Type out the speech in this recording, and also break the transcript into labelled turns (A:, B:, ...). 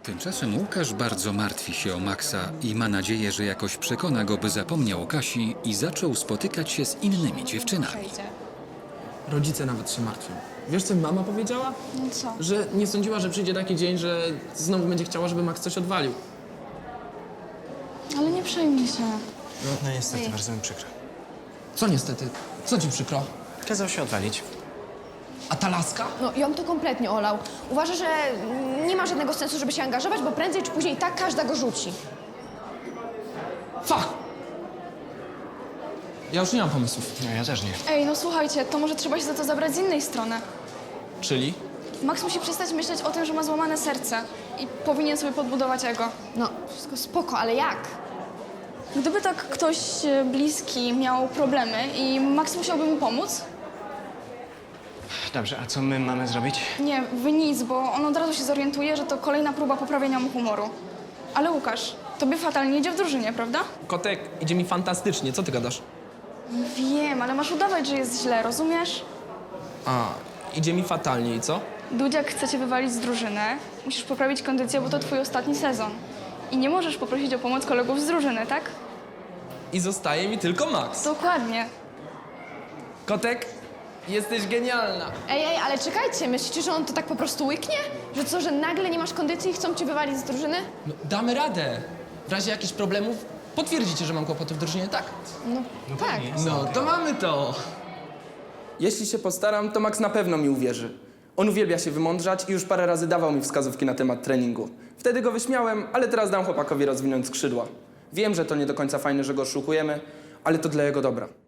A: Tymczasem Łukasz bardzo martwi się o Maxa i ma nadzieję, że jakoś przekona go, by zapomniał o Kasi i zaczął spotykać się z innymi dziewczynami.
B: Rodzice nawet się martwią. Wiesz, co mi mama powiedziała?
C: No co?
B: Że nie sądziła, że przyjdzie taki dzień, że znowu będzie chciała, żeby Max coś odwalił.
C: Ale nie przejmij się.
D: No niestety, bardzo mi przykro.
B: Co niestety? Co ci przykro?
D: Kazał się odwalić.
B: A ta laska?
E: No, ją to kompletnie olał. Uważa, że nie ma żadnego sensu, żeby się angażować, bo prędzej czy później i tak każda go rzuci.
B: Fuck! Ja już nie mam pomysłów.
D: No ja też nie.
C: Ej, no słuchajcie, to może trzeba się za to zabrać z innej strony.
B: Czyli?
C: Max musi przestać myśleć o tym, że ma złamane serce i powinien sobie podbudować ego.
E: No, wszystko spoko, ale jak?
C: Gdyby tak ktoś bliski miał problemy i Max musiałby mu pomóc?
D: Dobrze, a co my mamy zrobić?
C: Nie, wy nic, bo on od razu się zorientuje, że to kolejna próba poprawienia mu humoru. Ale Łukasz, tobie fatalnie idzie w drużynie, prawda?
B: Kotek, idzie mi fantastycznie. Co ty gadasz?
C: Wiem, ale masz udawać, że jest źle, rozumiesz?
B: A, idzie mi fatalnie i co?
C: Dudziak chce cię wywalić z drużyny. Musisz poprawić kondycję, bo to twój ostatni sezon. I nie możesz poprosić o pomoc kolegów z drużyny, tak?
B: I zostaje mi tylko Max.
C: Dokładnie.
B: Kotek, jesteś genialna.
E: Ej, ale czekajcie, myślicie, że on to tak po prostu łyknie? Że co, że nagle nie masz kondycji i chcą cię wywalić z drużyny?
B: No, damy radę. W razie jakichś problemów potwierdzicie, że mam kłopoty w drużynie, tak?
E: Tak.
B: No, to mamy to.
F: Jeśli się postaram, to Max na pewno mi uwierzy. On uwielbia się wymądrzać i już parę razy dawał mi wskazówki na temat treningu. Wtedy go wyśmiałem, ale teraz dam chłopakowi rozwinąć skrzydła. Wiem, że to nie do końca fajne, że go oszukujemy, ale to dla jego dobra.